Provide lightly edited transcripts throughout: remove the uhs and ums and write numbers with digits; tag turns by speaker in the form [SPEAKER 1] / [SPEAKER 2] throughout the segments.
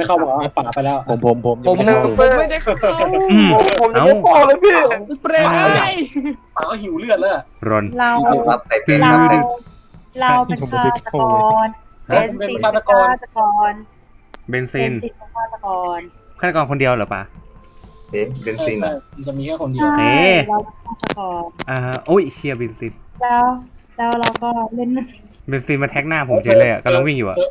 [SPEAKER 1] ไม่เข้าหมอป่าไปแล้ว
[SPEAKER 2] ผมไม่ได้เข้า
[SPEAKER 3] ผมจะไม่พอเลยพี่
[SPEAKER 2] เปรย์
[SPEAKER 1] ป่าก็หิวเลือดแล้ว
[SPEAKER 4] รอน
[SPEAKER 5] เรา
[SPEAKER 6] ครับไก่เป็ด
[SPEAKER 5] เรา
[SPEAKER 6] ครับ
[SPEAKER 5] เราเป็นฆาตกรเป็นฆาตกร
[SPEAKER 4] เบนซิน
[SPEAKER 5] เป็นฆาตกร
[SPEAKER 4] ฆาตกรคนเดียวเหรอปะ
[SPEAKER 6] เอ๊ะเบนซินอ่ะ
[SPEAKER 1] มันจะมีแค่คนเดียว
[SPEAKER 5] ใช่เราเป็นฆาตกร
[SPEAKER 4] โอ้ยเชียร์เบนซิน
[SPEAKER 5] แล้วเราก็เล่น
[SPEAKER 4] เบนซินมาแท็กหน้าผมเฉยเลยอ่ะกำลังวิ่งอยู่อ่ะ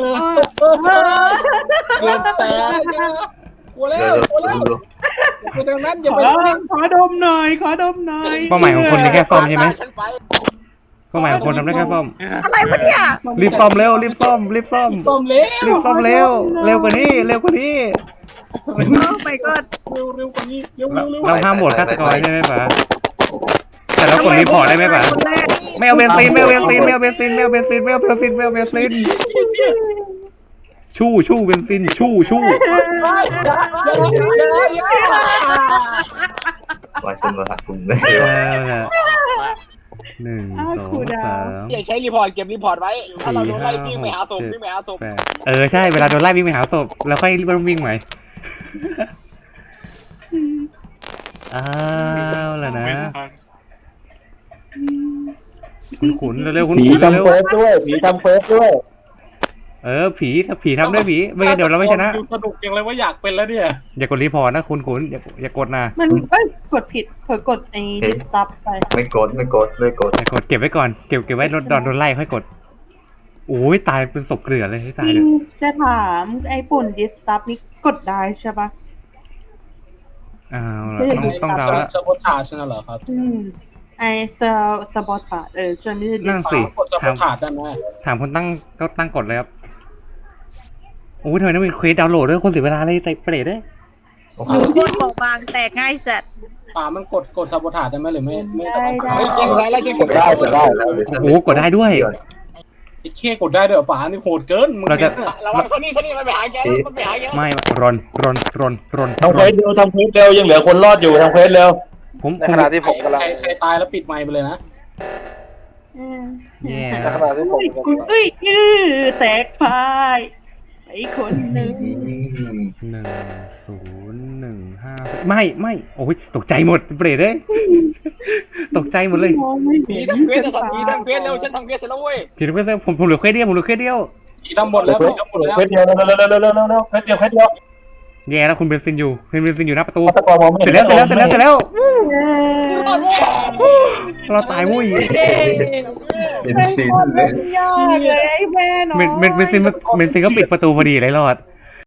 [SPEAKER 1] เลือดแตกกลัวแล้วกลัวแล้วไปทางนั้นอย่าไป
[SPEAKER 5] ขอดมหน่อยขอดมหน่อย
[SPEAKER 4] เป้าหมายของคนนี่แค่ซ่อมใช่ไหมเป้าหมายของคนทำได้แค่ซ่อม
[SPEAKER 5] อะไรวะเนี่ย
[SPEAKER 4] รีบซ่อมเร็วรีบซ่อมรีบซ่อม
[SPEAKER 1] ต้มเร็ว
[SPEAKER 4] รีบซ่อมเร็วเร็วกว่านี้เร็วกว่านี้
[SPEAKER 5] ไปก็
[SPEAKER 1] เร็วกว่านี้เร็ว
[SPEAKER 4] เราห้ามโหวตฆาตกรใช่ไหมปะแต่เรากดรีพอร์ตได้ไหมปะไม่เอาเบนซินไม่เอาเบนซินไม่เอาเบนซินไม่เอาเบนซินไม่เอาเบนซินไม่เอาเบนซินชู่เบนซินชู่
[SPEAKER 6] ว่าชนรหัสกลุ่มได้
[SPEAKER 4] หนึ่งสองสาม
[SPEAKER 3] อย่าใช้รีพอร์ตเก็บรีพอร์ตไว้ถ้าเราโดนไล่วิ่งไปหาศพวิ่งไปหาศพ
[SPEAKER 4] แปดใช่เวลาโดนไล่วิ่งไปหาศพแล้วค่อยวิ่งใหม่อ้าวแล้วนะขุนเร็วขุน
[SPEAKER 3] ผี
[SPEAKER 4] เร็
[SPEAKER 3] ทำ
[SPEAKER 4] ว
[SPEAKER 3] เฟสด้วยผีทำเฟสด้วย
[SPEAKER 4] ผีทำด้วยผีไม่งั้นเดี๋ยวเราไม่ชนะ
[SPEAKER 1] สนุกจังเลยว่าอยากเป็นแล้วเนี่ย
[SPEAKER 4] อย่ากดรีพอร์ตนะคุณอย่ากดนะ
[SPEAKER 5] มันกดผิดกดไอ้ดิสตับไป
[SPEAKER 6] ไม่กดเลยกด
[SPEAKER 4] อย่ากดเก็บไว้ก่อนเก็บไว้โดนไล่ค่อยกดโอ้ยตายเป็นศพเกลือเลยให้ตายเลย
[SPEAKER 5] จะถามไอ้ปุ่นดิสตับนี่กดได้ใช่ปะ
[SPEAKER 4] อ้าวต้องเดาละ
[SPEAKER 1] สปอร์ตาชนะเหรอครับ
[SPEAKER 5] ไอ้สบอทาจะไม่ได้
[SPEAKER 4] นั่นสิ
[SPEAKER 1] กดสปอร์ตาได้ไหม
[SPEAKER 4] ถามคนตั้งกดเลยครับโอ้ยทำไมต้องมีเควสดาวน์โหลดด้วยคนเสียเวลาเลยแต่เปรตด้วย
[SPEAKER 5] หนูโคตรบอกบางแตกง่ายสัตว์
[SPEAKER 1] ป่ามันกดสปอร์ตาได้ไหมหรือไม่
[SPEAKER 3] ไม่จริงแล้วจริงกดได้
[SPEAKER 4] โอ้กดได้ด้วย
[SPEAKER 1] ไอ้เข้กดได้ด้วยป่านี่โหดเกินมึง
[SPEAKER 4] เราจะ
[SPEAKER 3] ระวังซนี่มันไปหาแกมันไปหาแก
[SPEAKER 4] ไม่รอน
[SPEAKER 3] ทำเควสเร็วทำเควสเร็วยังเหลือคนรอดอยู่ทำเควสเร็ว
[SPEAKER 4] ผม
[SPEAKER 3] ในขณะที่ผมกำลัง
[SPEAKER 1] ใครตายแล้วปิดไมค์ไปเลยนะ
[SPEAKER 4] แย่
[SPEAKER 3] ในขณะที่ผม
[SPEAKER 5] แตกพายไอ้คนหนึ่ง
[SPEAKER 4] 1015ไม่โอ้ยตกใจหมดเปรตเลยตกใจหมดเลย
[SPEAKER 3] ผีทำเควสจะสั่งผีทำเควสเร็วฉันทำเควสเสร็จแล้วเว้ย
[SPEAKER 4] พี่ทุกคนผมเหลือเควสเดียว
[SPEAKER 1] ผีทั้งหมดแล้วผีทั้งหมดแล้ว
[SPEAKER 3] เควสเดียวเร็วเควสเดียว
[SPEAKER 4] แย่แล้วคุณเบนซินอยู่หน้าประตู
[SPEAKER 3] ฆาตกรมองไม่
[SPEAKER 4] เสร็จแล้วเราตายมุ้ย
[SPEAKER 6] เบนซินเลย
[SPEAKER 5] ยากเลยไอ้แม่เนาะ
[SPEAKER 4] เบนซินก็ปิดประตูพอดีเลยรอด